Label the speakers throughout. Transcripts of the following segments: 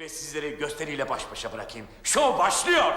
Speaker 1: ve sizleri gösteriyle baş başa bırakayım. Şov başlıyor.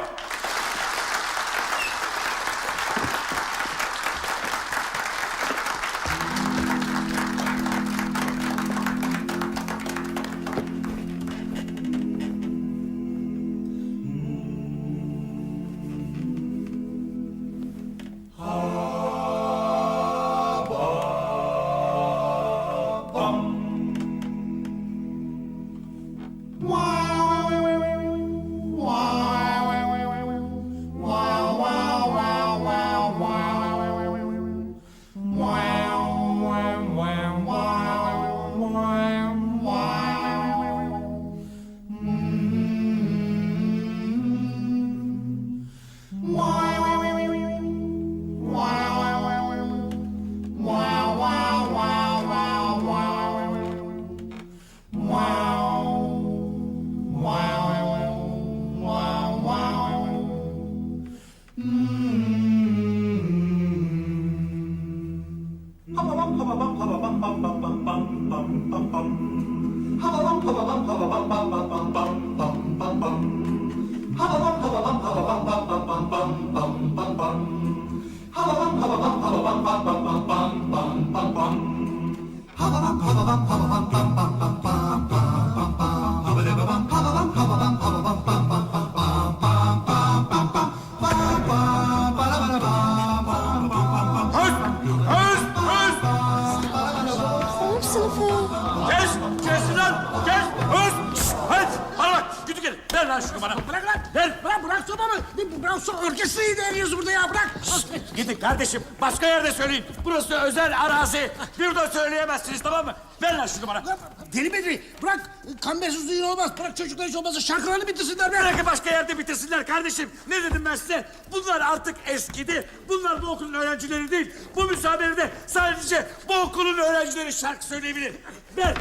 Speaker 1: Kes lan! Kes! Hadi! Bana bak! Güdü gelin! Ver lan şunu bana!
Speaker 2: Bırak lan! Bırak sobamı! Bırak orkestrayı değerliyoruz burada ya, bırak!
Speaker 1: Gidin kardeşim, başka yerde söyleyin. Burası özel arazi. Burada söyleyemezsiniz, tamam mı? Ver lan şunu bana!
Speaker 2: Deli Bedri, bırak! Kambersiz düğün olmaz, bırak çocuklar hiç olmazsa şarkılarını bitirsinler be!
Speaker 1: Bırakın başka yerde bitirsinler kardeşim. Ne dedim ben size? Bunlar artık eskidi. Bunlar bu okulun öğrencileri değil. Bu müsamerede sadece bu okulun öğrencileri şarkı söyleyebilir. Ver!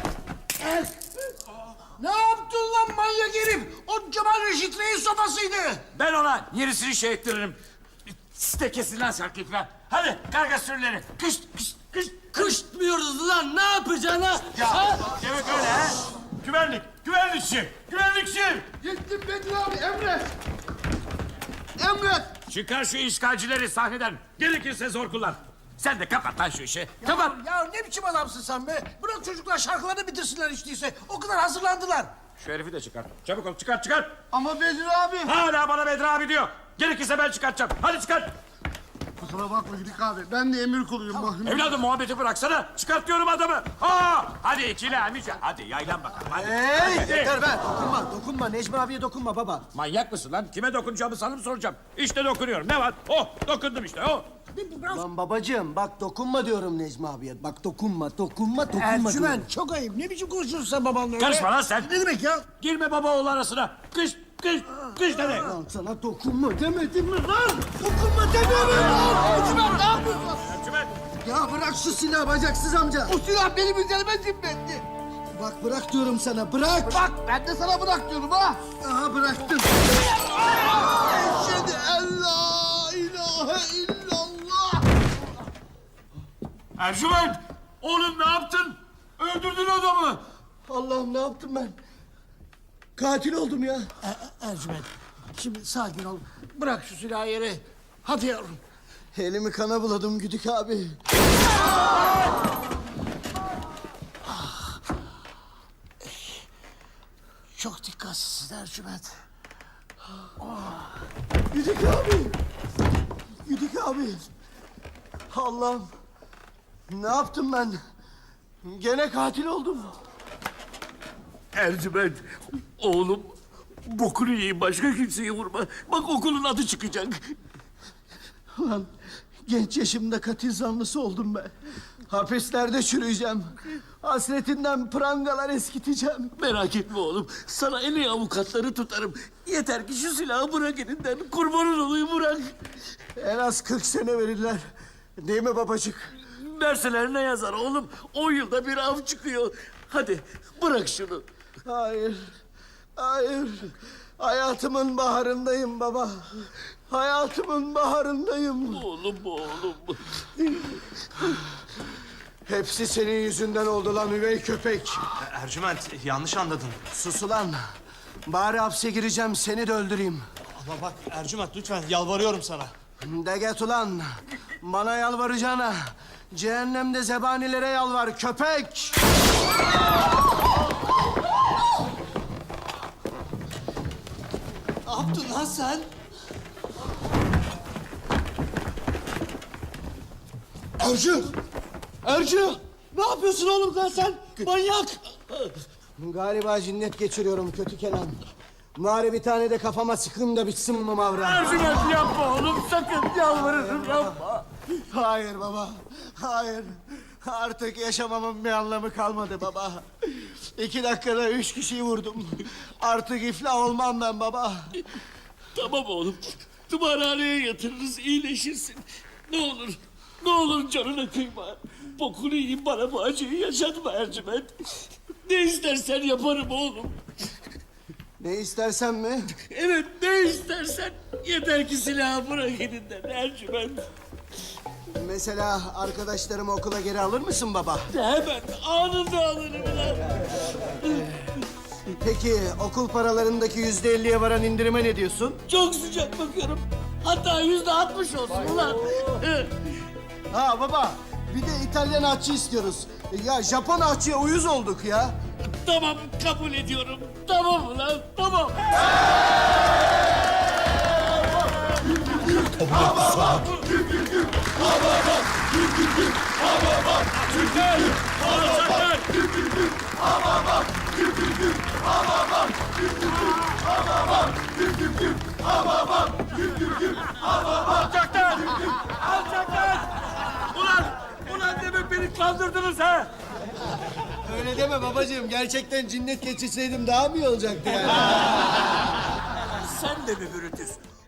Speaker 2: Ne yaptın lan manyak herif? O Cemal Reşit Reis sobasıydı.
Speaker 1: Ben ona yenisini şey ettiririm. Siz de kesin lan şarkıyı falan. Hadi karga sürüleri. Kış, kış, kış.
Speaker 3: Kışmıyoruz lan, ne yapacaksın?
Speaker 1: Ya demek öyle ha? Güvenlikçi.
Speaker 2: Gittim Bedri abi, emret. Emret.
Speaker 1: Çıkar şu işgalcileri sahneden. Gerekirse zor kullan. Sen de kapat lan şu işi. Kapat.
Speaker 2: Ya ne biçim adamsın sen be? Bırak çocuklar şarkılarını bitirsinler hiç değilse. O kadar hazırlandılar.
Speaker 1: Şu herifi de çıkar. Çabuk ol, çıkar.
Speaker 2: Ama Bedri abi.
Speaker 1: Hala bana Bedri abi diyor. Gerekirse ben çıkartacağım. Hadi çıkart.
Speaker 4: Kusura bakma Güdük abi. Ben de emir kuluyum bakın.
Speaker 1: Evladım muhabbeti bıraksana. Çıkart diyorum adamı. Hadi ikili amica. Hadi yaylan bakalım. Hadi. Hadi.
Speaker 5: Yeter be! Dokunma. Necmi abiye dokunma baba.
Speaker 1: Manyak mısın lan? Kime dokunacağımı sana mı soracağım? İşte dokunuyorum. Ne var? Oh, dokundum işte. Oh.
Speaker 5: Lan babacığım bak dokunma diyorum Necmi abiye. Bak dokunma diyorum.
Speaker 2: Ercüment çok ayıp. Ne biçim konuşuyorsun sen babanla öyle?
Speaker 1: Karışma lan sen.
Speaker 2: Ne demek ya?
Speaker 1: Girme baba oğul arasına. Kış demek.
Speaker 5: Lan sana dokunma demedim mi lan? Dokunma demiyorum lan!
Speaker 2: Ercüment ne yapıyorsun?
Speaker 1: Ercüment.
Speaker 5: Ya bırak şu silahı bacaksız amca.
Speaker 2: O silah benim üzerime zimmetli.
Speaker 5: Bak bırak diyorum sana bırak.
Speaker 2: Bak ben de sana bırak diyorum ha.
Speaker 5: Aha bıraktım.
Speaker 2: Eşhedü en la ilahe illallah.
Speaker 1: Ercüment. Oğlum ne yaptın? Öldürdün adamı.
Speaker 5: Allah'ım ne yaptım ben? Katil oldum ya.
Speaker 2: Ercüment şimdi sakin ol. Bırak şu silahı yere. Hadi yavrum.
Speaker 5: Elimi kana buladım Güdük abi.
Speaker 2: Çok dikkatsizsin Ercüment.
Speaker 5: Güdük abi. Güdük abi. Allah'ım. Ne yaptım ben? Gene katil oldum.
Speaker 1: Ercüment. Oğlum. Bokunu yiyeyim. Başka kimseyi vurma. Bak okulun adı çıkacak.
Speaker 5: Ulan genç yaşımda katil zanlısı oldum ben. Hapislerde çürüyeceğim. Hasretinden prangalar eskiteceğim.
Speaker 3: Merak etme oğlum, sana en iyi avukatları tutarım. Yeter ki şu silahı bırak elinden, kurbanın olayım bırak.
Speaker 5: En az 40 sene verirler. Değil mi babacık?
Speaker 3: Verseler ne yazar oğlum? 10 yılda bir av çıkıyor. Hadi bırak şunu.
Speaker 5: Hayır. Hayır. Hayatımın baharındayım baba. Hayatımın baharındayım.
Speaker 3: Oğlum.
Speaker 5: Hepsi senin yüzünden oldu lan üvey köpek.
Speaker 6: Ercüment yanlış anladın.
Speaker 5: Sus ulan. Bari hapse gireceğim, seni de öldüreyim.
Speaker 6: Ama bak Ercüment lütfen yalvarıyorum sana.
Speaker 5: De get ulan. Bana yalvaracağına cehennemde zebanilere yalvar köpek.
Speaker 6: Ne yaptın lan sen? Ercü! Ercü! Ne yapıyorsun oğlum lan sen? Manyak!
Speaker 5: Galiba cinnet geçiriyorum kötü Kenan. Bari bir tane de kafama sıkın da bitsin mi mavra?
Speaker 3: Ercüment yapma oğlum sakın yalvarırım yapma.
Speaker 5: Hayır baba, hayır. Artık yaşamamın bir anlamı kalmadı baba. 2 dakikada 3 kişiyi vurdum. Artık iflah olmam ben baba.
Speaker 3: Tamam oğlum. Tımarhaneye yatırırız iyileşirsin. Ne olur. Ne olur canına kıyma. Bokunu yiyeyim bana bu acıyı yaşatma Ercüment. Ne istersen yaparım oğlum.
Speaker 5: Ne istersen mi?
Speaker 3: Evet ne istersen. Yeter ki silahı bırak elinden Ercüment.
Speaker 5: Mesela arkadaşlarımı okula geri alır mısın baba?
Speaker 3: Hemen anında alırım lan.
Speaker 5: Peki okul paralarındaki %50'ye varan indirime ne diyorsun?
Speaker 3: Çok sıcak bakıyorum. Hatta %60 olsun ulan.
Speaker 5: Ha baba, bir de İtalyan ahçı istiyoruz. Ya Japon ahçıya uyuz olduk ya.
Speaker 3: Tamam kabul ediyorum. Tamam ulan tamam.
Speaker 1: Alçaklar! Alçaklar! Ulan demek beni kandırdınız ha?
Speaker 5: Öyle deme babacığım. Gerçekten cinnet geçirseydim daha mı iyi olacaktı yani?
Speaker 1: Sen de mi Brutus?